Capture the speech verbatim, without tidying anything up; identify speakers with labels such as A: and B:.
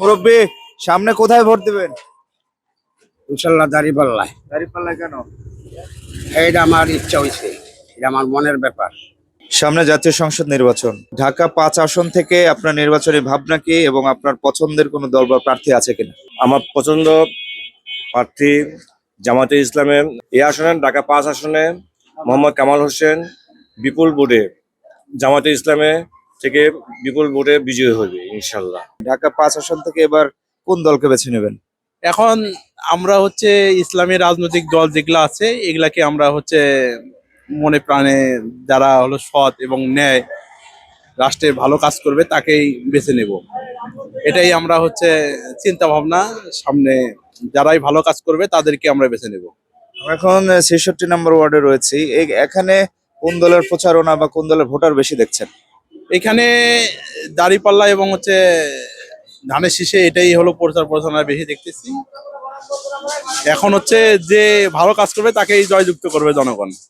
A: মুরব্বী, সামনে কোথায় ভোট দিবেন?
B: ইনশাল্লাহ দাঁড়িপাল্লায়।
A: দাঁড়িপাল্লায় কেন?
B: এইটা আমার ইচ্ছা হয়েছে, এটা আমার মনের ব্যাপার।
A: সামনে জাতীয় সংসদ নির্বাচন, ঢাকা পাঁচ আসন থেকে আপনার নির্বাচনী ভাবনা কি এবং আপনার পছন্দের কোনো দল বা প্রার্থী আছে কিনা?
C: আমার পছন্দ প্রার্থী জামাতে ইসলামে এই আসনে, ঢাকা পাঁচ আসনে মোহাম্মদ কামাল হোসেন বিপুল ভোটে জামাতে ইসলামে থেকে বিপুল ভোটে বিজয়ী হবে ইনশাল্লাহ।
A: ঢাকা পাঁচ আসন থেকে এবার কোন দলকে বেছে নেবেন?
D: এখন আমরা হচ্ছে ইসলামী রাজনৈতিক দল যেগুলো আছে এগুলাকে আমরা হচ্ছে মনে প্রাণে যারা হলো সৎ এবং ন্যায় রাষ্ট্রে ভালো কাজ করবে তাকেই বেছে নেব। এটাই আমরা হচ্ছে চিন্তা ভাবনা, সামনে যারাই ভালো কাজ করবে তাদেরকে আমরা বেছে নেব।
A: আমরা এখন ছেষট্টি নম্বর ওয়ার্ডে রয়েছি। এই- এখানে কোন দলের প্রচারণা বা কোন দলের ভোটার বেশি দেখছেন?
D: এখানে দাঁড়িপাল্লা এবং হচ্ছে ধানের শীষে এটাই হলো প্রচার প্রচারণা বেশি দেখতেছি। এখন হচ্ছে যে ভালো কাজ করবে তাকেই জয়যুক্ত করবে জনগণ।